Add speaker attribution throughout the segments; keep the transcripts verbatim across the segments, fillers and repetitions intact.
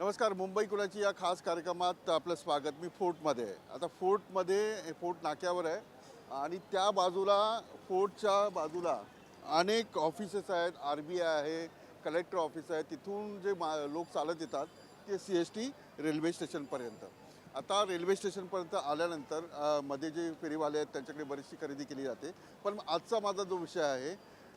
Speaker 1: नमस्कार. मुंबई कुणाची या खास कार्यक्रमात आपलं स्वागत. मी फोर्टमध्ये आहे. आता फोर्टमध्ये फोर्ट नाक्यावर आहे आणि त्या बाजूला फोर्टच्या बाजूला अनेक ऑफिसेस आहेत. आर बी आय आहे, कलेक्टर ऑफिस आहे. तिथून जे मा लोक चालत येतात ते सी एस टी रेल्वे स्टेशनपर्यंत. आता रेल्वे स्टेशनपर्यंत आल्यानंतर अ, मध्ये जे फेरीवाले आहेत त्यांच्याकडे बरीचशी खरेदी केली जाते. पण आजचा माझा जो विषय आहे,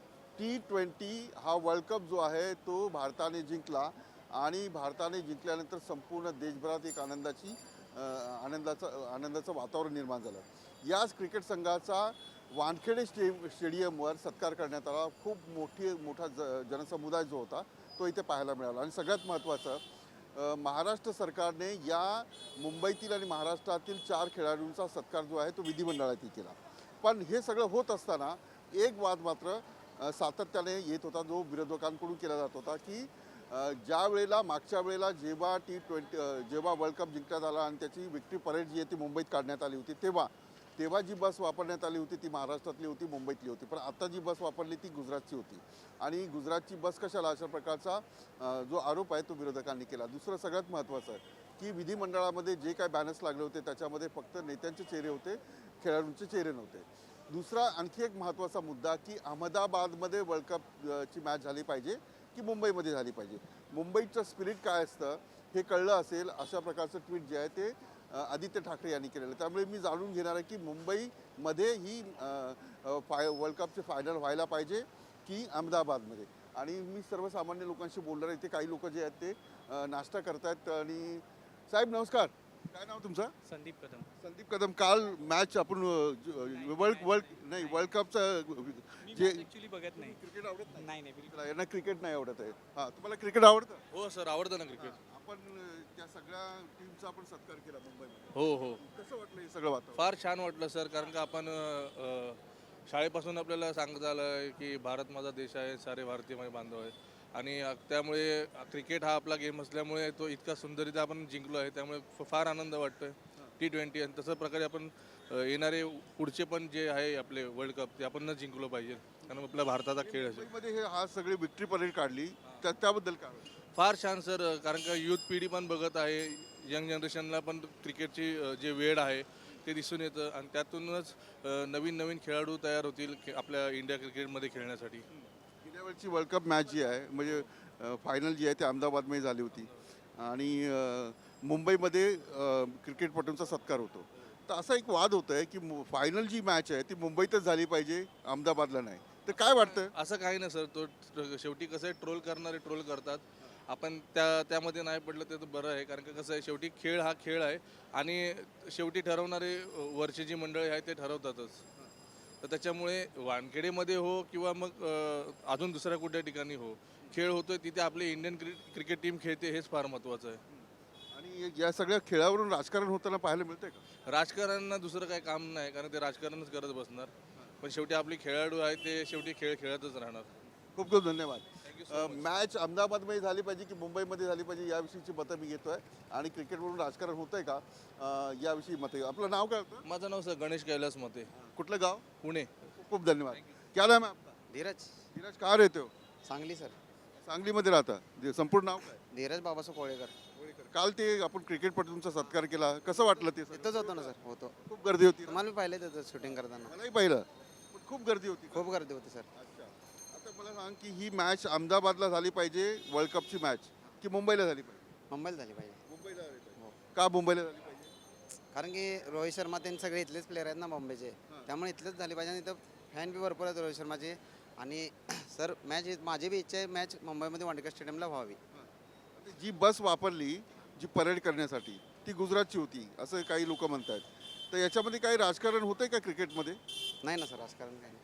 Speaker 1: टी ट्वेंटी हा वर्ल्ड कप जो आहे तो भारताने जिंकला आणि भारताने जिंकल्यानंतर संपूर्ण देशभरात एक आनंदाची अ, आनंदाचं आनंदाचं वातावरण निर्माण झालं. याच क्रिकेट संघाचा वानखेडे स्टे स्टेडियमवर सत्कार करण्यात आला. खूप मोठी मोठा ज जनसमुदाय जो होता तो इथे पाहायला मिळाला. आणि सगळ्यात महत्त्वाचं, अ, महाराष्ट्र सरकारने या मुंबईतील आणि महाराष्ट्रातील चार खेळाडूंचा सत्कार जो आहे तो विधिमंडळात केला. पण हे सगळं होत असताना एक वाद मात्र अ, सातत्याने येत होता, जो विरोधकांकडून केला जात होता की अ, ज्या वेळेला मागच्या वेळेला जेव्हा टी ट्वेंटी जेव्हा वर्ल्ड कप जिंकण्यात आला आणि त्याची विक्ट्री परेड जी आहे ती मुंबईत काढण्यात आली होती, तेव्हा तेव्हा जी बस वापरण्यात आली होती ती महाराष्ट्रातली होती, मुंबईतली होती. पण आता जी बस वापरली ती गुजरातची होती. आणि गुजरातची बस कशाला, अशा प्रकारचा अ, जो आरोप आहे तो विरोधकांनी केला. दुसरं सगळ्यात महत्त्वाचं आहे की विधिमंडळामध्ये जे काय बॅनर्स लागले होते त्याच्यामध्ये फक्त नेत्यांचे चेहरे होते, खेळाडूंचे चेहरे नव्हते. दुसरा आणखी एक महत्त्वाचा मुद्दा की अहमदाबादमध्ये वर्ल्ड कप ची मॅच झाली पाहिजे की मुंबईमध्ये झाली पाहिजे. मुंबईचं स्पिरिट काय असतं हे कळलं असेल, अशा प्रकारचं ट्विट जे आहे ते अ, आदित्य ठाकरे यांनी केलेलं आहे. त्यामुळे मी जाणून घेणार आहे की मुंबईमध्ये ही अ, अ, फाय वर्ल्ड कपचे फायनल व्हायला पाहिजे की अहमदाबादमध्ये. आणि मी सर्वसामान्य लोकांशी बोलणार आहे. इथे काही लोक जे आहेत ते अ, नाश्ता करतायत. आणि साहेब नमस्कार, काय नाव तुमचं?
Speaker 2: संदीप कदम.
Speaker 1: संदीप कदम. काल मॅच आपण वर्ल्ड वर्ल्ड नाही वर्ल्ड कपचं
Speaker 2: मी
Speaker 1: जे
Speaker 2: ॲक्च्युली बघत नाही.
Speaker 1: क्रिकेट आवडत नाही.
Speaker 2: नाही नाही बिलकुल.
Speaker 1: यांना क्रिकेट नाही आवडत आहे. हां, तुम्हाला क्रिकेट आवडतं?
Speaker 3: हो सर, आवडतं ना क्रिकेट.
Speaker 1: आपण अ, त्या सगळ्या टीमचा आपण सत्कार केला मुंबईमध्ये.
Speaker 3: हो हो,
Speaker 1: कसं वाटलं हे सगळं वातावरण?
Speaker 3: फार छान वाटलं सर, कारण का आपण अ, शाळेपासून आपल्याला सांगत आलं की भारत माझा देश आहे, सारे भारतीय माझे बांधव आहे. आणि अ, त्यामुळे क्रिकेट हा आपला गेम असल्यामुळे तो इतका सुंदररीत्या आपण जिंकलो आहे, त्यामुळे फ- फार आनंद वाटतोय. टी ट्वेंटी आणि तसं प्रकारे आपण अ, येणारे पुढचे पण जे आहे आपले वर्ल्ड कप ते आपण न जिंकलो पाहिजे, कारण आपल्या भारताचा खेळ असेल.
Speaker 1: मुंबईमध्ये हे हा सगळी विक्ट्री परेड काढली, त्या त्याबद्दल काय वाटतं?
Speaker 3: फार छान सर, कारण का यूथ पिढी पण बघत आहे, यंग जनरेशनला पण क्रिकेटची अ, जे वेळ आहे ते दिसून येतं आणि त्यातूनच अ, नवीन नवीन खेळाडू तयार होतील खे- आपल्या इंडिया क्रिकेटमध्ये खेळण्यासाठी.
Speaker 1: गेल्या वेळची वर्ल्ड कप मॅच जी आहे म्हणजे फायनल जी आहे ती अहमदाबादमध्ये झाली होती आणि अ, मुंबईमध्ये अ, क्रिकेटपटूंचा सत्कार होतो. तर असा एक वाद होत आहे की फायनल जी मॅच आहे ती मुंबईतच झाली पाहिजे, अहमदाबादला नाही. तर काय वाटतं?
Speaker 3: असं काही नाही सर, तो ट- शेवटी कसं आहे, ट्रोल करणारे ट्रोल करतात. आपण त्या त्यामध्ये नाही पडलं ते तर बरं आहे, कारण का कसं आहे, शेवटी खेळ हा खेळ आहे आणि शेवटी ठरवणारे अ, वरची जी मंडळी आहे ते ठरवतातच. तर त्याच्यामुळे वानखेडेमध्ये हो किंवा मग अ, अजून दुसऱ्या कुठल्या ठिकाणी हो, खेळ होतोय तिथे आपली इंडियन क्रि क्रिकेट टीम खेळते, हेच फार महत्त्वाचं आहे.
Speaker 1: आणि या सगळ्या खेळावरून राजकारण होताना पाहायला मिळतंय का?
Speaker 3: राजकारण्यांना दुसरं काही काम नाही, कारण ते राजकारणच करत बसणार. पण शेवटी आपले खेळाडू आहे ते शेवटी खेळ खेळतच राहणार.
Speaker 1: खूप खूप धन्यवाद.
Speaker 3: Thank you
Speaker 1: uh,
Speaker 3: so much.
Speaker 1: Match अहमदाबादमध्ये झाली पाहिजे की मुंबईमध्ये झाली पाहिजे याविषयीची मतं मी घेतोय. आणि क्रिकेटवरून राजकारण होतंय का अ, याविषयी मतं. आपलं नाव काय होतं?
Speaker 3: माझं नाव सर गणेश कैलास मते,
Speaker 1: कुठलं गाव?
Speaker 3: पुणे.
Speaker 1: खूप खूप धन्यवाद. क्या नाम है आपका?
Speaker 4: धीरज
Speaker 1: धीरज, कहाँ रहते हो?
Speaker 4: सांगली सर.
Speaker 1: सांगलीमध्ये राहता. जे संपूर्ण नाव काय?
Speaker 4: धीरज बाबासाहेब कोळेकर.
Speaker 1: होळीकर. काल ते आपण क्रिकेटपटूंचा सत्कार केला, कसं वाटलं ते सगळं?
Speaker 4: तिथंच होतो ना सर, होतो.
Speaker 1: खूप गर्दी होती ना?
Speaker 4: तुम्हाला मी पाहिले तिथं शूटिंग करताना.
Speaker 1: मलाही पाहिलं, पण खूप गर्दी होती.
Speaker 4: खूप गर्दी होती सर.
Speaker 1: अच्छा. आता मला सांग की ही मॅच अहमदाबादला झाली पाहिजे वर्ल्ड कपची मॅच की मुंबईला झाली पाहिजे?
Speaker 4: मुंबईला झाली पाहिजे.
Speaker 1: मुंबईला झाली पाहिजे.
Speaker 4: हो.
Speaker 1: का मुंबईला झाली पाहिजे?
Speaker 4: कारण की रोहित शर्मा त्यांनी सगळे इथलेच प्लेअर आहेत ना मुंबईचे, त्यामुळे इथलेच झाली पाहिजे. आणि इथं फॅन बी भरपूर आहेत रोहित शर्माचे. आणि सर मॅच माझी बी इच्छा आहे मॅच मुंबईमध्ये वानखेडे स्टेडियमला व्हावी.
Speaker 1: आता जी बस वापरली जी परेड करण्यासाठी ती गुजरातची होती असं काही लोक म्हणतात. तर याच्यामध्ये काही राजकारण होतंय का क्रिकेटमध्ये?
Speaker 4: नाही ना सर, राजकारण काही नाही.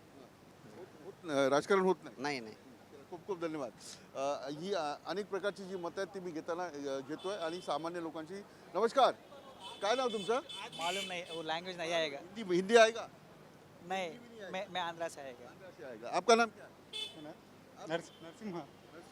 Speaker 1: होत न- राजकारण होत नाही.
Speaker 4: नाही नाही.
Speaker 1: खूप खूप धन्यवाद. अ, ही अ, अनेक प्रकारची जी मतं आहेत ती मी घेताना अ, घेतोय. आणि सामान्य लोकांची. नमस्कार, काय नाव तुमचं?
Speaker 2: मालूम नहीं, वो लैंग्वेज नहीं आएगा.
Speaker 1: हिंदी हिंदी आएगा?
Speaker 2: नहीं, मैं मैं आंध्रा से आएगा.
Speaker 1: से आएगा. आपका नाम क्या है?
Speaker 5: नरसिंहा.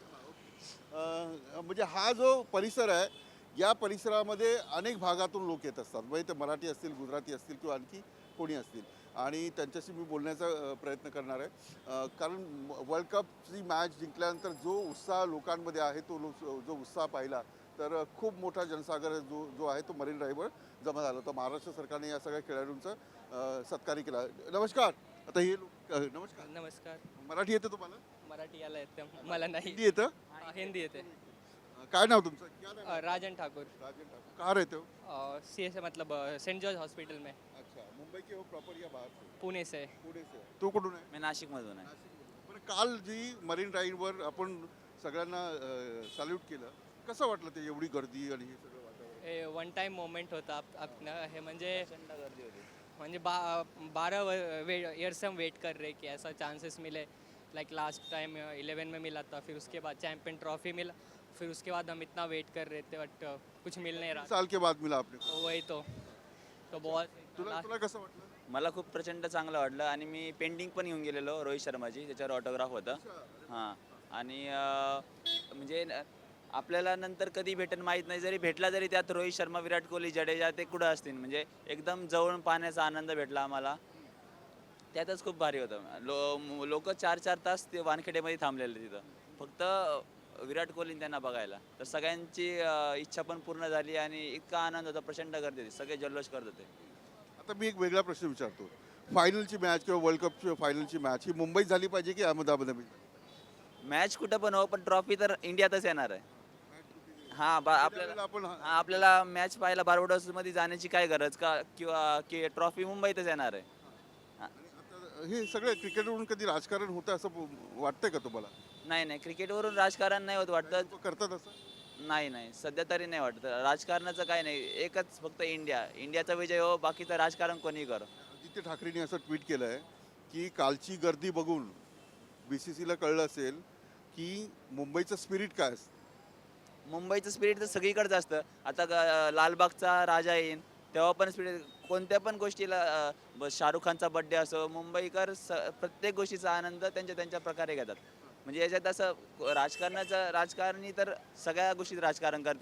Speaker 1: अ, म्हणजे हा जो परिसर आहे या परिसरामध्ये अनेक भागातून लोक येत असतात. म्हणजे ते मराठी असतील, गुजराती असतील किंवा आणखी कोणी असतील. आणि त्यांच्याशी मी बोलण्याचा अ, प्रयत्न करणार आहे. अ, कारण वर्ल्ड कपची मॅच जिंकल्यानंतर जो उत्साह लोकांमध्ये आहे तो लो जो उत्साह पाहिला तर अ, खूप मोठा जनसागर जो जो आहे तो मरीन ड्राईव्हवर जमा झाला होता. महाराष्ट्र सरकारने या सगळ्या खेळाडूंचं अ, सत्कारही केला. नमस्कार. आता हे लोक अ, नमस्कार.
Speaker 5: नमस्कार.
Speaker 1: मराठी येतं तुम्हाला?
Speaker 5: मराठी याला येतं मला नाही.
Speaker 1: हिंदी येतं?
Speaker 5: हा, हिंदी येते.
Speaker 1: अ, काय नाव तुमचं? क्या नाम है?
Speaker 5: अ, राजन ठाकुर.
Speaker 1: राजन ठाकुर. कहाँ रहते हो?
Speaker 5: सी एस मतलब अ, सेंट जॉर्ज हॉस्पिटल में,
Speaker 1: अच्छा, मुंबई के हो प्रॉपर या बाहर से?
Speaker 5: पुणे से.
Speaker 1: पुणे से. तू कुठून आहे?
Speaker 6: मी नाशिकमधून आहे.
Speaker 1: नाशिकमधून. बरं, काल जी मरीन ड्राईव्हवर आपण सगळ्यांना सॅल्यूट केलं, कसं वाटलं ते एवढी गर्दी आणि हे सगळं वातावरण?
Speaker 5: हे वन टाइम मोमेंट होता आप- आपनं हे म्हणजे
Speaker 6: प्रचंड गर्दी होती.
Speaker 5: म्हणजे बा बारह ईयर से हम वेट कर रहे कि ऐसा चांसेस मिले. लाइक लास्ट टाइम इलेवन में मिला था, फिर उसके बाद चैंपियन ट्रॉफी मिला, फिर उसके बाद हम इतना वेट कर रहे थे बट कुछ मिल नहीं रहा.
Speaker 1: साल के बाद मिला आपने.
Speaker 5: तो वही तो तो बहुत
Speaker 1: तुला तुला कसं वाटलं?
Speaker 6: मला खूप प्रचंड चांगलं वाटलं आणि मी पेंटिंग पण घेऊन गेलेलो रोहित शर्माची, त्याच्यावर ऑटोग्राफ होतं. हां आणि अं, म्हणजे न- आपल्याला नंतर कधी भेटेल माहीत नाही, जरी भेटला जरी त्यात रोहित शर्मा, विराट कोहली, जडेजा ते कुठं असतील, म्हणजे एकदम जवळून पाहण्याचा आनंद भेटला आम्हाला. त्यातच खूप भारी होतं. लो लोक चार चार तास ते वानखेडेमध्ये थांबलेले तिथं फक्त विराट कोहलीने त्यांना बघायला. तर सगळ्यांची अं, इच्छा पण पूर्ण झाली आणि इतका आनंद होता, प्रचंड गर्दी होती, सगळे जल्लोष करत होते.
Speaker 1: आता मी एक वेगळा प्रश्न विचारतो. फायनलची मॅच किंवा वर्ल्ड कपची फायनलची मॅच ही मुंबईत झाली पाहिजे की अहमदाबादमध्ये?
Speaker 6: मॅच कुठं पण हो, पण ट्रॉफी तर इंडियातच येणार आहे. हां बा आपल्याला
Speaker 1: त्यावेळेला आपण
Speaker 6: हां, आपल्याला मॅच पाहायला बार्बाडोसमध्ये जाण्याची काय गरज का, किंवा की ट्रॉफी मुंबईतच येणार आहे.
Speaker 1: आता हे सगळं क्रिकेटवरून कधी राजकारण होतं असं वाटतंय का तुम्हाला?
Speaker 6: नाही नाही, क्रिकेटवरून राजकारण नाही होत वाटतं.
Speaker 1: लोकं करतात असं?
Speaker 6: नाही नाही, सध्या तरी नाही वाटत. राजकारणाचं काय नाही, एकच फक्त इंडिया. इंडियाचा विजय हो, बाकीचं राजकारण कोणी करो.
Speaker 1: आदित्य ठाकरेंनी असं ट्विट केलं आहे की कालची गर्दी बघून बी सी सीला कळलं असेल की मुंबईचं स्पिरिट काय असतं.
Speaker 6: मुंबईचं स्पिरिट तर सगळीकडेच असतं. आता ग- लालबागचा राजा येईन तेव्हा पण स्पिरिट, कोणत्या पण गोष्टीला अं, ब- शाहरुख खानचा बड्डे असो, मुंबईकर स प्रत्येक गोष्टीचा आनंद त्यांच्या त्यांच्या प्रकारे घेतात. म्हणजे याच्यात असं राजकारणाचं, राजकारणी तर सगळ्या गोष्टीत राजकारण करते,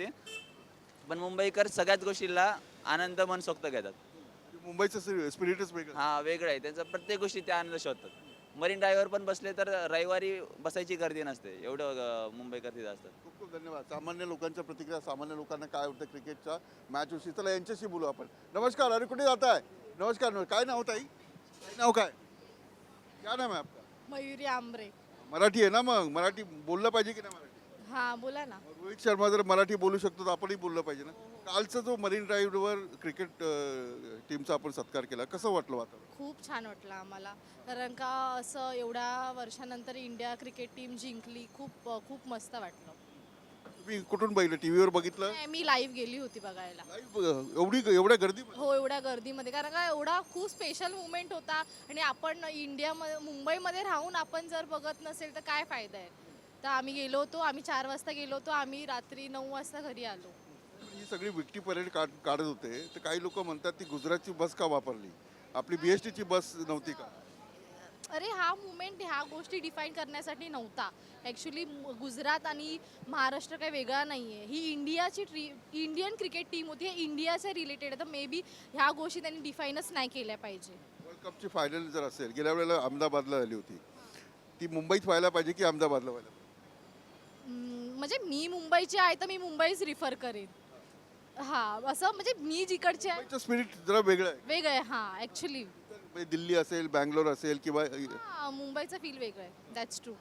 Speaker 6: पण मुंबईकर सगळ्याच गोष्टीला आनंद मनसोक्त घेतात.
Speaker 1: मुंबईचं स्पिरिटच वेगळं.
Speaker 6: हा वेगळं आहे त्यांचं, प्रत्येक गोष्टी ते आनंद शोधतात. मरीन ड्राईव्हवर पण बसले तर रविवारी बसायची गर्दी नसते, एवढं अं, मुंबईकर तिथं असतात.
Speaker 1: खूप खूप धन्यवाद. सामान्य लोकांच्या प्रतिक्रिया, सामान्य लोकांना काय वाटतं क्रिकेटच्या मॅच विषयी, चला यांच्याशी बोलू आपण. नमस्कार. अरे कुठे जात आहे? नमस्कार. नमस्कार. काय नाव ताई? काय नाव काय? क्या नाम आहे आपका?
Speaker 7: मयुरी आंबरे.
Speaker 1: मराठी आहे ना? मग मराठी बोललं पाहिजे की नाही मराठी?
Speaker 7: हां बोला ना.
Speaker 1: मग रोहित शर्मा जर मराठी बोलू शकतो तर आपणही बोललं पाहिजे ना. कालचा जो मरीन ड्राईव्हवर क्रिकेट टीमचा आपण सत्कार केला, कसं वाटलं वातावरण?
Speaker 7: खूप छान वाटलं आम्हाला, कारण का असं एवढ्या वर्षानंतर इंडिया क्रिकेट टीम जिंकली. खूप खूप मस्त वाटलं.
Speaker 1: तुम्ही कुठून बघितलं? टीव्हीवर बघितलं?
Speaker 7: नाही, मी लाईव्ह गेली होती बघायला.
Speaker 1: Live, एवढी एवढ्या गर्दी?
Speaker 7: हो, एवढ्या गर्दीमध्ये, कारण का एवढा खूप स्पेशल मुवमेंट होता आणि आपण इंडियामध्ये, मुंबईमध्ये राहून आपण जर बघत नसेल तर काय फायदा आहे. तर आम्ही गेलो होतो, आम्ही चार वाजता गेलो होतो, आम्ही रात्री नऊ वाजता घरी आलो.
Speaker 1: ही सगळी विक्टी परेड काढ काढत होते, तर काही लोक म्हणतात ती गुजरातची बस का वापरली, आपली बी एस टीची बस नव्हती का?
Speaker 7: अरे हा मुवमेंट ह्या गोष्टी डिफाईन करण्यासाठी नव्हता. ॲक्च्युली गुजरात आणि महाराष्ट्र काही वेगळा नाही आहे. ही इंडियाची ट्री इंडियन क्रिकेट टीम होती, हे इंडियाच्या रिलेटेड आहे. तर मे बी ह्या गोष्टी त्यांनी डिफाईनच नाही केल्या पाहिजे.
Speaker 1: वर्ल्ड कपची फायनल जर असेल, गेल्या वेळेला अहमदाबादला झाली होती, ती मुंबईत व्हायला पाहिजे की अहमदाबादला व्हायला पाहिजे?
Speaker 7: हम्म, म्हणजे मी मुंबईची आहे तर मी मुंबईच रिफर करेन. हां, असं म्हणजे मी जिकडचे आहे
Speaker 1: मुंबईचं स्पिरिट जरा वेगळं आहे.
Speaker 7: वेगळं आहे. हां, ॲक्च्युली
Speaker 1: म्हणजे दिल्ली असेल, बँगलोर असेल किंवा
Speaker 7: हां, मुंबईचं फील वेगळं आहे. That's true.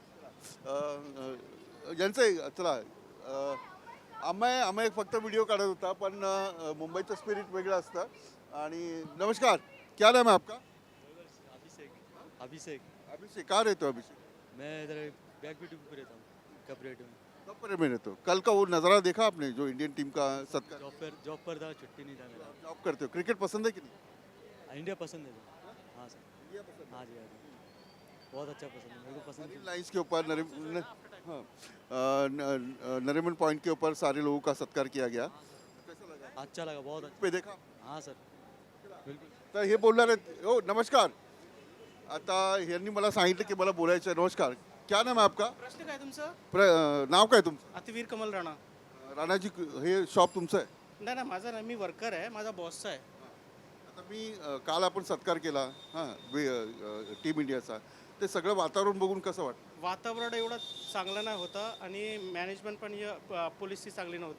Speaker 1: यांचं आहे. चला, अं, आम्ही आम्ही फक्त व्हिडिओ काढत होता, पण अं, मुंबईचं स्पिरिट वेगळं असतं. आणि नमस्कार. क्या नाम है आपका?
Speaker 8: अभिषेक अभिषेक
Speaker 1: अभिषेक. कहाँ रहते हो अभिषेक?
Speaker 8: मैं इधर बैक भी पे रहता हूँ कपरेट में.
Speaker 1: कब पर में रहते हो? कल का वो नज़ारा देखा आपने जो इंडियन टीम का सत्कार?
Speaker 8: जॉब पर जॉब पर था, छुट्टी नहीं था मेरा.
Speaker 1: जॉब करते हो, क्रिकेट पसंद है कि नहीं?
Speaker 8: इंडिया पसंद है सर. हाँ सर. हाँ जी हाँ जी, बहुत अच्छा पसंद है, मेरे को पसंद
Speaker 1: मरीन
Speaker 8: है.
Speaker 1: लाइन्स के ऊपर नरिम न, हाँ, अ, न- न- नरीमन पॉइंट के ऊपर सारे लोगों का सत्कार किया गया. कैसा लगा?
Speaker 8: अच्छा लगा, बहुत अच्छा.
Speaker 1: पे देखा?
Speaker 8: हाँ सर, बिल्कुल.
Speaker 1: तर हे बोलणार आहेत. हो नमस्कार. आता यांनी मला सांगितलं की मला बोलायचं आहे. नमस्कार. क्या नाम है आपका?
Speaker 2: प्रश्न काय तुमचं?
Speaker 1: प्र अ, नाव काय तुमचं?
Speaker 2: अतिवीर कमल राणा.
Speaker 1: राणाजी, हे शॉप तुमचं आहे?
Speaker 2: नाही नाही, माझा नाही, मी वर्कर आहे, माझा बॉसचा आहे.
Speaker 1: आता मी अ, काल आपण सत्कार केला हां टीम इंडियाचा, ते सगळं वातावरण बघून कसं वाटतं?
Speaker 2: वातावरण एवढं चांगलं नाही होतं आणि मॅनेजमेंट पण या- प- पोलिसची चांगली नव्हती.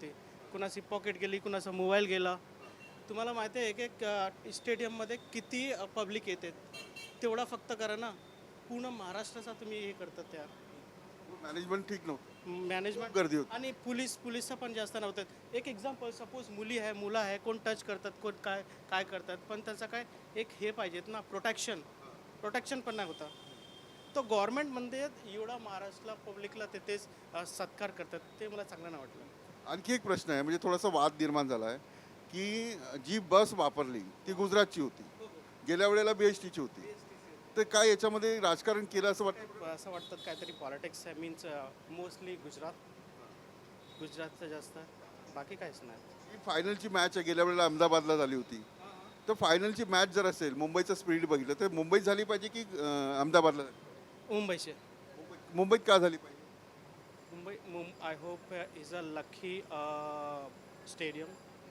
Speaker 2: कुणाची पॉकेट गेली, कुणाचा मोबाईल गेला. तुम्हाला माहिती आहे एक एक स्टेडियममध्ये किती पब्लिक येते, तेवढा फक्त करा ना. पूर्ण महाराष्ट्राचा तुम्ही हे करतात त्या
Speaker 1: मॅनेजमेंट ठीक नव्हतं,
Speaker 2: मॅनेजमेंट
Speaker 1: गर्दी होती.
Speaker 2: आणि पोलीस पोलीसचा पण जास्त नव्हतं. एक एक्झाम्पल, सपोज मुली आहे, मुलं आहे, कोण टच करतात, कोण काय काय करतात, पण त्यांचा काय एक हे पाहिजेत ना, प्रोटेक्शन प्रोटेक्शन पण नाही होता. तो गव्हर्नमेंटमध्ये एवढा महाराष्ट्राला पब्लिकला तिथेच अ, सत्कार करतात, ते मला चांगलं नाही वाटलं.
Speaker 1: आणखी एक प्रश्न आहे, म्हणजे थोडासा वाद निर्माण झाला आहे की जी बस वापरली ती गुजरातची होती, गेल्या वेळेला बी एस टीची होती. तर काय याच्यामध्ये राजकारण केलं असं वाटतं?
Speaker 2: असं वाटतं काहीतरी पॉलिटिक्स आहे, मीन्स मोस्टली गुजरात गुजरातचं जास्त, बाकी काहीच नाही.
Speaker 1: ही फायनलची मॅच आहे, गेल्या वेळेला अहमदाबादला झाली होती. तर फायनलची मॅच जर असेल, मुंबईचं स्पीड बघितलं तर मुंबईत झाली पाहिजे की अं, अहमदाबादला झाली?
Speaker 2: मुंबईचे
Speaker 1: मुंबईत मुंबईत का झाली पाहिजे?
Speaker 2: मुंबई मुं I hope is a lucky stadium.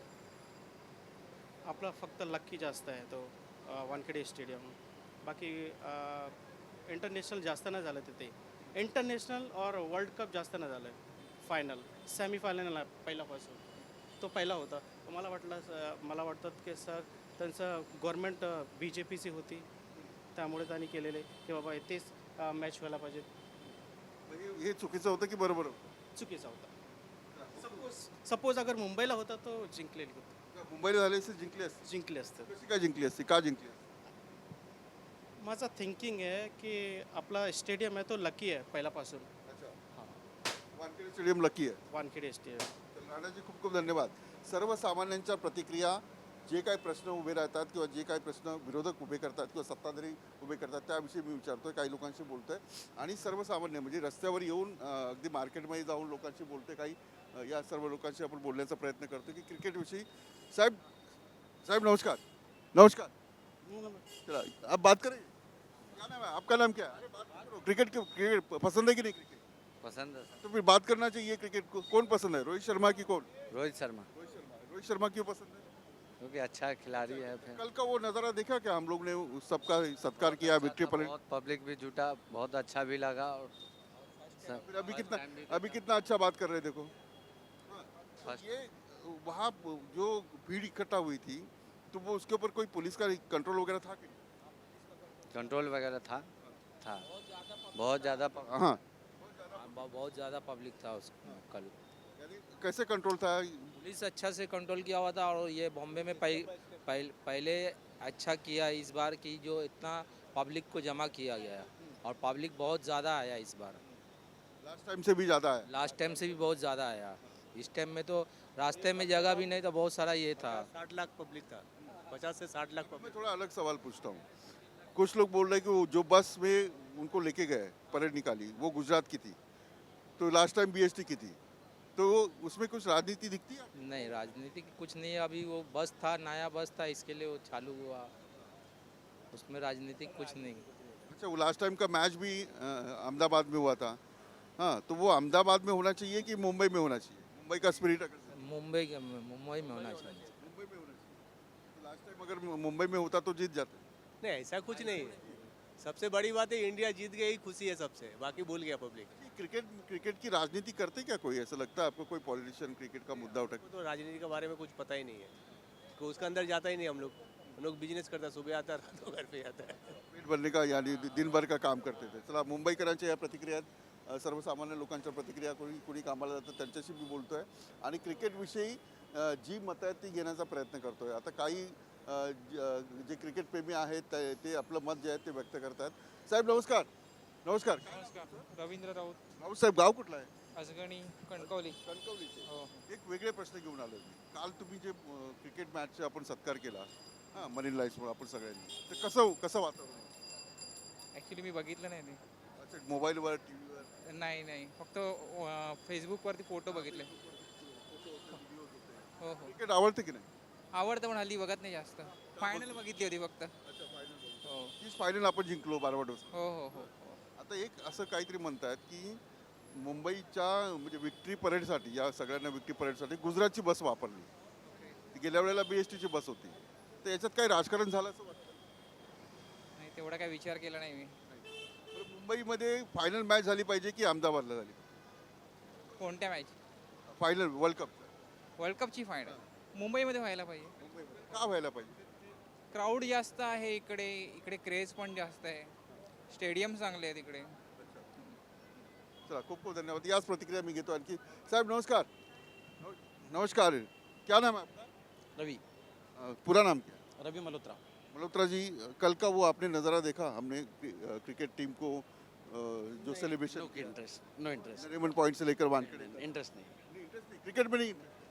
Speaker 2: आपला फक्त लकी जास्त आहे तो वानखेडे स्टेडियम. बाकी इंटरनॅशनल जास्त नाही झालं तिथे. इंटरनॅशनल और वर्ल्ड कप जास्त नाही झालं. फायनल सेमीफायनल पहिल्यापासून तो पहिला होता. मला वाटलं स- मला वाटतं की सर त्यांचं गव्हर्नमेंट बी जे पीची होती, त्यामुळे त्यांनी केलेले की बाबा तेच मॅच व्हायला पाहिजे.
Speaker 1: म्हणजे हे चुकीचं होतं की बरोबर होतं?
Speaker 2: चुकीचा होता. सपोज सपोज अगर मुंबईला होता तो जिंकलेली होती,
Speaker 1: मुंबईला झाले असते जिंकली असते.
Speaker 2: जिंकले असतं.
Speaker 1: कशी काय जिंकली असती, का जिंकली असती?
Speaker 2: माझा थिंकिंग आहे की आपला स्टेडियम आहे तो लकी आहे पहिल्यापासून.
Speaker 1: वानखेडे स्टेडियम लकी आहे.
Speaker 2: वानखेडे स्टेडियम.
Speaker 1: तर राणाजी खूप खूप धन्यवाद. सर्वसामान्यांच्या प्रतिक्रिया, जे काही प्रश्न उभे राहतात किंवा जे काही प्रश्न विरोधक उभे करतात किंवा सत्ताधारी उभे करतात त्याविषयी मी विचारतोय, काही लोकांशी बोलतोय आणि सर्वसामान्य म्हणजे रस्त्यावर येऊन अं, अगदी मार्केटमध्ये जाऊन लोकांशी बोलतोय. काही अं, या सर्व लोकांशी आपण बोलण्याचा प्रयत्न करतो की क्रिकेटविषयी. साहेब साहेब नमस्कार. नमस्कार. चला आप बात करें. क्या नाम है आपका? नाम क्या है? अरे बात करो. क्रिकेट क्रिकेट पसंद है कि नहीं? क्रिकेट
Speaker 8: पसंद है
Speaker 1: तो फिर बात करना चाहिए. क्रिकेट को कौन पसंद है, रोहित शर्मा की कौन?
Speaker 8: रोहित शर्मा,
Speaker 1: रोहित शर्मा. रोहित शर्मा क्यों पसंद है?
Speaker 8: क्योंकि अच्छा खिलाड़ी है। फिर
Speaker 1: कल का वो नज़ारा देखा क्या, हम लोग ने उस सबका सत्कार किया, विक्ट्री परेड.
Speaker 8: बहुत पब्लिक भी जुटा, बहुत अच्छा भी लगा। और सब-
Speaker 1: फिर अभी कितना
Speaker 8: time भी
Speaker 1: अभी कितना अच्छा बात कर रहे हैं, देखो.
Speaker 8: First-
Speaker 1: ये वहाँ जो भीड़ इकट्ठा हुई थी तो वो उसके ऊपर कोई पुलिस का कंट्रोल वगैरह था कि नहीं?
Speaker 8: कंट्रोल वगैरह था था बहुत ज़्यादा प-
Speaker 1: हाँ,
Speaker 9: बहुत ज़्यादा पब्लिक था उस कल।
Speaker 1: यानी कैसे कंट्रोल था?
Speaker 9: पुलिस अच्छा से कंट्रोल किया हुआ था और ये बॉम्बे में पह, पह, पहले अच्छा किया इस बार की जो इतना पब्लिक को जमा किया गया और पब्लिक बहुत ज़्यादा आया इस बार।
Speaker 1: लास्ट टाइम से भी ज़्यादा है.
Speaker 9: लास्ट टाइम से भी बहुत ज़्यादा आया। इस टाइम में तो रास्ते में जगह भी नहीं था, बहुत सारा ये था।
Speaker 2: साठ लाख पब्लिक था, पचास से साठ लाख
Speaker 1: मैं थोड़ा अलग सवाल पूछता हूँ. कुछ लोग बोल रहे हैं कि वो जो बस में उनको लेके गए, परेड निकाली, वो गुजरात की थी, तो last time B S T की थी, तो उसमें कुछ राजनीति दिखती है?
Speaker 9: नहीं, राजनीति की कुछ नहीं है। अभी वो बस था, नया बस था, इसके लिए वो चालू हुआ, उसमें राजनीतिक कुछ नहीं।
Speaker 1: अच्छा, वो लास्ट टाइम का मैच भी अ, अहमदाबाद में हुआ था. हाँ, तो वो अहमदाबाद में होना चाहिए कि मुंबई में होना चाहिए? मुंबई का स्पिरिट अगर
Speaker 9: मुंबई के मुंबई में होना चाहिए।
Speaker 1: मुंबई में होना चाहिए. लास्ट टाइम अगर मुंबई में होता तो जीत जाते.
Speaker 10: नहीं, ऐसा कुछ नहीं है। सबसे बड़ी बात है इंडिया जीत गई, खुशी है सबसे, बाकी भूल गया पब्लिक।
Speaker 1: क्रिकेट क्रिकेट की राजनीति करते क्या कोई? ऐसा लगता है आपको कोई पॉलिटिशियन क्रिकेट का मुद्दा उठा?
Speaker 10: तो राजनीति के बारे में कुछ पता ही नहीं है, तो उसके अंदर जाता ही नहीं हम लोग। हम लोग बिजनेस करता, सुबह आता रात को घर पे आता है।
Speaker 1: पेट भरने का यानी दिन भर का काम करते थे. चला, मुंबईकरांच्या या प्रतिक्रिया आहेत. अ, सर्वसामान्य लोकांच्या प्रतिक्रिया, कोणी कोणी कामाला जातं त्यांच्याशी मी बोलतोय आणि क्रिकेटविषयी अ, जी मतं आहेत ती घेण्याचा प्रयत्न करतोय. आता काही अ, ज- अ, जे क्रिकेट प्रेमी आहेत ते ते आपलं मत जे आहे ते व्यक्त करतात. साहेब नमस्कार. नमस्कार.
Speaker 11: नमस्कार. रवींद्र राऊत,
Speaker 1: राऊत साहेब, गाव कुठलं आहे?
Speaker 11: असगणी, कणकवली.
Speaker 1: कणकवलीचे.
Speaker 11: हो.
Speaker 1: एक वेगळे प्रश्न घेऊन आलो मी. काल तुम्ही जे अ, क्रिकेट मॅचचा आपण सत्कार केला, हां, मरीन लाईन्समुळे आपण सगळ्यांनी, तर कसं कसं वातावरण?
Speaker 11: ॲक्च्युली मी बघितलं नाही ते.
Speaker 1: अच्छा, मोबाईलवर, टी व्हीवर
Speaker 11: नाही नाही फक्त अं, फेसबुकवरती फोटो बघितले. हो हो
Speaker 1: क्रिकेट आवडते की नाही?
Speaker 11: आवडतं पण हल्ली बघत नाही जास्त. फायनल बघितली होती फक्त. हो
Speaker 1: तीच फायनल आपण जिंकलो बार्बाडोस.
Speaker 11: हो हो हो हो.
Speaker 1: आता एक असं काहीतरी म्हणतात की मुंबईच्या म्हणजे विक्ट्री परेडसाठी, या सगळ्यांना विक्ट्री परेडसाठी गुजरातची बस वापरली. ती गेल्या वेळेला बी एस टीची बस होती. तर याच्यात काही राजकारण झालं असं वाटतं?
Speaker 11: नाही तेवढा काय विचार केला नाही मी.
Speaker 1: तर मुंबईमध्ये फायनल मॅच झाली पाहिजे की अहमदाबादला झाली?
Speaker 11: कोणत्या मॅच?
Speaker 1: Final world cup.
Speaker 11: वर्ल्ड कपची फायनल मुंबईमध्ये व्हायला पाहिजे.
Speaker 1: मुंबईमध्ये का व्हायला पाहिजे?
Speaker 11: क्राऊड जास्त आहे इकडे, इकडे क्रेज पण जास्त आहे, स्टेडियम चांगले आहेत इकडे.
Speaker 1: चला खूप खूप धन्यवाद. याच प्रतिक्रिया मी घेतो आणखी. साहेब नमस्कार. नमस्कार. क्या नाम है आपका?
Speaker 8: रवि
Speaker 1: अ, पूरा नाम क्या है?
Speaker 8: रवि मल्होत्रा.
Speaker 1: मल्होत्रा जी, कल का वो आपने नज़ारा देखा? हमने क्रि- अ, क्रिकेट टीम को अ, जो celebration
Speaker 8: no interest no interest
Speaker 1: Nariman point से लेकर वानखेडे तक.
Speaker 8: इंटरेस्ट नाही.
Speaker 1: नहीं, इंटरेस्ट नाही. क्रिकेट में नहीं.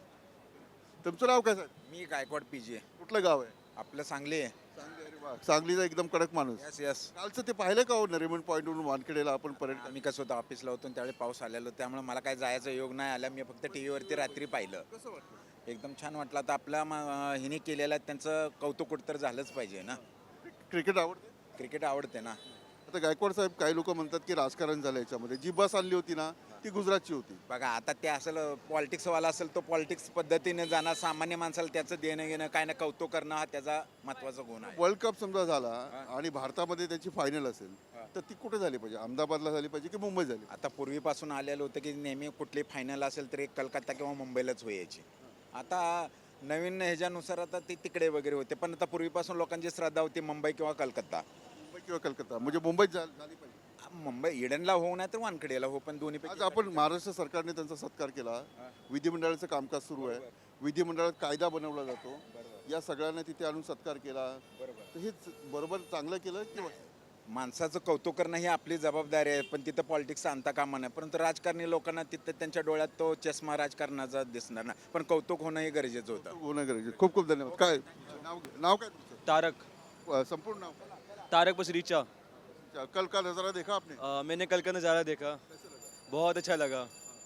Speaker 1: तुमचं नाव काय साहेब?
Speaker 12: मी गायकवाड पीजी
Speaker 1: कुठलं गाव आहे?
Speaker 12: आपलं सांगली आहे.
Speaker 1: सांगली. अरे वा, सांगलीचा एकदम कडक माणूस.
Speaker 12: यस यस
Speaker 1: कालचं ते पाहिलं का हो नरीमन पॉईंटवरून वानखेडेला आपण परेड?
Speaker 12: आम्ही कसं होतं ऑफिसला होतो आणि त्यावेळी पाऊस आलेलो, त्यामुळे मला काय जायचा योग नाही आला. मी फक्त टी व्हीवरती रात्री पाहिलं.
Speaker 1: कसं वाटतं?
Speaker 12: एकदम छान वाटलं. आता आपल्या म- हिने केलेलं त्यांचं कौतुक कुठं झालंच पाहिजे ना.
Speaker 1: क्रिकेट आवडते?
Speaker 12: क्रिकेट आवडते ना.
Speaker 1: आता गायकवाड साहेब, काही लोक म्हणतात की राजकारण झालं याच्यामध्ये. जी बस आणली होती ना ती गुजरातची होती.
Speaker 12: बघा आता ते असेल पॉलिटिक्सवाला असेल तो पॉलिटिक्स पद्धतीने जाणार, सामान्य माणसाला त्याचं देणं घेणं काय ना कौतुक करणं हा त्याचा महत्त्वाचा गुण आहे.
Speaker 1: वर्ल्ड कप समजा झाला आणि भारतामध्ये त्याची फायनल असेल तर ती कुठे झाली पाहिजे? अहमदाबादला झाली पाहिजे की मुंबई झाली?
Speaker 12: आता पूर्वीपासून आलेलं होतं की नेहमी कुठली फायनल असेल तर एक कलकत्ता किंवा मुंबईलाच व्हायची. आता नवीन ह्याच्यानुसार आता ती तिकडे वगैरे होते, पण आता पूर्वीपासून लोकांची श्रद्धा होती मुंबई किंवा कलकत्ता.
Speaker 1: मुंबई किंवा कलकत्ता म्हणजे मुंबईत झा- झाली पाहिजे.
Speaker 12: मुंबई इडनला होऊ नाही तर वानखेडेला हो, पण दोन्ही
Speaker 1: आज आपण महाराष्ट्र सरकारने त्यांचा सत्कार केला. विधिमंडळाचं कामकाज सुरू आहे. विधिमंडळात कायदा बनवला जातो. या सगळ्यांना तिथे आणून सत्कार केला. तर हे बरोबर चांगलं केलं किंवा
Speaker 12: माणसाचं कौतुक करणं ही आपली जबाबदारी आहे, पण तिथं पॉलिटिक्स आणता कामा नये. परंतु राजकारणी लोकांना तिथं त्यांच्या डोळ्यात तो चष्मा राजकारणाचा दिसणार ना, पण कौतुक होणं हे गरजेचं होतं.
Speaker 1: होणं गरजेचं. खूप खूप धन्यवाद. काय नाव नाव काय तुमचं?
Speaker 13: तारक
Speaker 1: अ, संपूर्ण नाव?
Speaker 13: तारक बसरीचा.
Speaker 1: अच्छा, कल का नज़ारा देखा आपने?
Speaker 13: अ, मैंने कल का नज़ारा देखा, बहुत अच्छा लगा.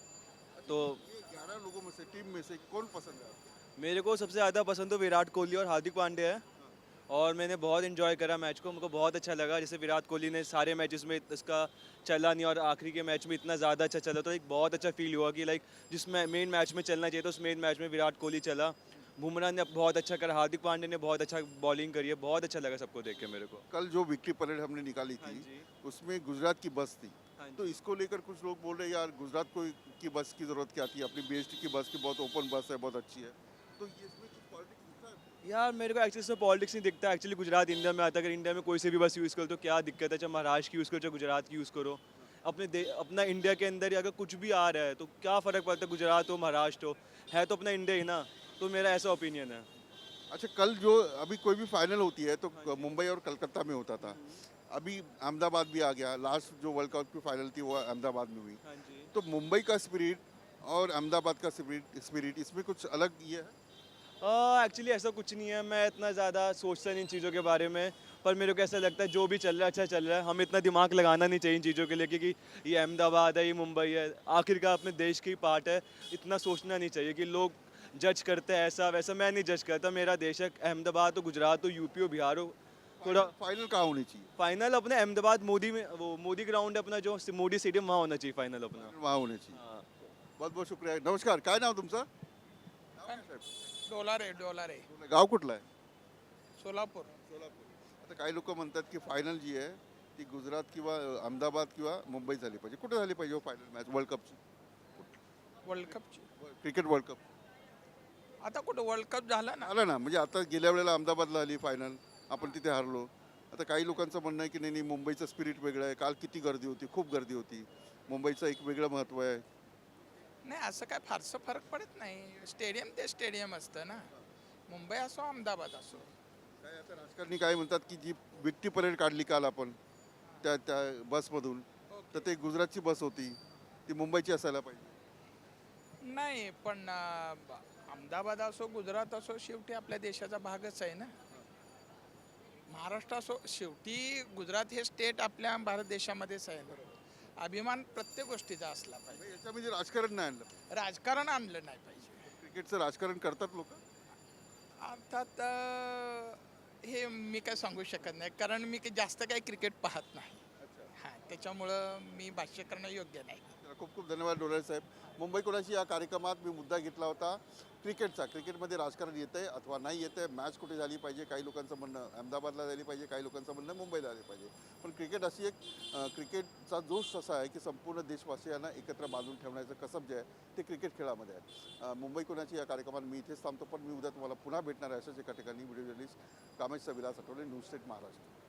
Speaker 13: तो
Speaker 1: ये ग्यारह लोगों में से टीम में से कौन पसंद है?
Speaker 13: मेरे को सबसे ज़्यादा पसंद तो विराट कोहली और हार्दिक पांड्या है, और मैंने बहुत इन्जॉय करा मैच को. मुझको बहुत अच्छा लगा. जैसे विराट कोहली ने सारे मैचेस में इसका चला नहीं और आखिरी के मैच में इतना ज़्यादा अच्छा चला, तो एक बहुत अच्छा फील हुआ कि लाइक जिस मेन मैच में चलना चाहिए तो उस मेन मैच में विराट कोहली चला. बुमराह ने बहुत अच्छा करा, हार्दिक पांड्या ने बहुत अच्छा बॉलिंग करी है. बहुत अच्छा लगा सबको देख के मेरे को.
Speaker 1: कल जो विक्ट्री परेड हमने निकाली थी उसमें गुजरात की बस थी. तो इसको लेकर कुछ लोग बोल रहे हैं यार गुजरात को की बस की ज़रूरत क्या थी? अपनी बीएसटी की बस की बहुत ओपन बस है, बहुत अच्छी है. तो ये इसमें कुछ पॉलिटिक्स दिखता है?
Speaker 13: यार मेरे को एक्चुअली इसमें पॉलिटिक्स नहीं दिखता. एक्चुअली गुजरात इंडिया में आता है. अगर इंडिया में कोई से भी बस यूज़ करो तो क्या दिक्कत है? चाहे महाराष्ट्र की यूज़ करो चाहे गुजरात की यूज़ करो. अपने दे अपना इंडिया के अंदर ही अगर कुछ भी आ रहा है तो क्या फ़र्क पड़ता है? गुजरात हो महाराष्ट्र हो, है तो अपना इंडिया ही ना. तो मेरा ऐसा ओपिनियन है.
Speaker 1: अच्छा, कल जो अभी कोई भी फाइनल होती है तो मुंबई और कलकत्ता में होता था. अभी अहमदाबाद भी आ गया. लास्ट जो वर्ल्ड कप की फाइनल थी वो अहमदाबाद में हुई.
Speaker 13: हाँ जी.
Speaker 1: तो मुंबई का स्पिरिट और अहमदाबाद का स्पिरिट स्पिरिट इसमें कुछ अलग ये है?
Speaker 13: एक्चुअली ऐसा कुछ नहीं है. मैं इतना ज़्यादा सोचता नहीं इन चीज़ों के बारे में, पर मेरे को ऐसा लगता है जो भी चल रहा है अच्छा चल रहा है. हमें इतना दिमाग लगाना नहीं चाहिए इन चीज़ों के लिए, क्योंकि ये अहमदाबाद है, ये मुंबई है, आखिरकार अपने देश की पार्ट है. इतना सोचना नहीं चाहिए कि लोग जज करते हैं ऐसा वैसा. मैं नहीं जज करता. मेरा देश है. अहमदाबाद हो, गुजरात हो, यूपी हो, बिहार हो, थोड़ा
Speaker 1: फाइनल कहाँ होनी चाहिए?
Speaker 13: फाइनल अपने अहमदाबाद मोदी में, वो मोदी ग्राउंड है अपना, जो मोदी स्टेडियम, वहाँ होना चाहिए फाइनल अपना.
Speaker 1: वहाँ होनी चाहिए.
Speaker 13: हाँ.
Speaker 1: बहुत बहुत शुक्रिया. नमस्कार. काय नाव तुमचं?
Speaker 11: डॉलर आहे डॉलर आहे
Speaker 1: गाव कुठलं आहे?
Speaker 11: सोलापूर.
Speaker 1: सोलापूर. आता काही लोक म्हणतात की फायनल जी आहे ती गुजरात किंवा अहमदाबाद किंवा मुंबई झाली पाहिजे. कुठे झाली पाहिजे हो फायनल मॅच वर्ल्ड कपची?
Speaker 11: वर्ल्ड कपची
Speaker 1: क्रिकेट वर्ल्ड कप
Speaker 11: आता कुठं वर्ल्ड कप झाला ना.
Speaker 1: आला ना. म्हणजे आता गेल्या वेळेला अहमदाबादला आली फायनल, आपण तिथे हारलो. आता काही लोकांचं म्हणणं आहे की नाही नाही मुंबईचं स्पिरिट वेगळं आहे. काल किती गर्दी होती, खूप गर्दी होती. मुंबईचं एक वेगळं महत्त्व आहे.
Speaker 11: नाही असं काय फारसं फरक पडत नाही. स्टेडियम ते स्टेडियम असतं ना. मुंबई असो अहमदाबाद असो.
Speaker 1: काय आता राजकारणी काय म्हणतात की जी विक्ट्री परेड काढली काल आपण त्या त्या बसमधून, तर ते गुजरातची बस होती, ती मुंबईची असायला पाहिजे.
Speaker 11: नाही पण अं, अहमदाबाद असो गुजरात असो शेवटी आपल्या देशाचा भागच आहे ना. महाराष्ट्र असो शेवटी गुजरात हे स्टेट आपल्या भारत देशामध्येच आहे ना. अभिमान प्रत्येक गोष्टीचा असला पाहिजे.
Speaker 1: याच्यामध्ये राजकारण नाही आणलं.
Speaker 11: राजकारण आणलं नाही पाहिजे.
Speaker 1: क्रिकेटचं राजकारण करतात लोक.
Speaker 11: अर्थात अं, हे मी काय सांगू शकत नाही, कारण मी काही जास्त काही क्रिकेट पाहत नाही. हां, त्याच्यामुळं मी भाष्य करणं योग्य नाही.
Speaker 1: खूप खूप धन्यवाद डोळे साहेब. मुंबई कोणाची या कार्यक्रमात मी मुद्दा घेतला होता क्रिकेटचा. क्रिकेटमध्ये राजकारण येतं आहे अथवा नाही येतं आहे, मॅच कुठे झाली पाहिजे, काही लोकांचं म्हणणं अहमदाबादला झाली पाहिजे, काही लोकांचं म्हणणं मुंबईला झाली पाहिजे. पण क्रिकेट अशी एक अ, क्रिकेटचा जोश असा आहे की संपूर्ण देशवासियांना एकत्र बांधून ठेवण्याचं कसब जे आहे ते क्रिकेट खेळामध्ये आहे. अ, मुंबई कोणाची या कार्यक्रमात मी इथेच थांबतो, पण मी उद्या तुम्हाला पुन्हा भेटणार आहे अशाच एका ठिकाणी. Video journalist Kamesh Vilas Athawale, news state Maharashtra.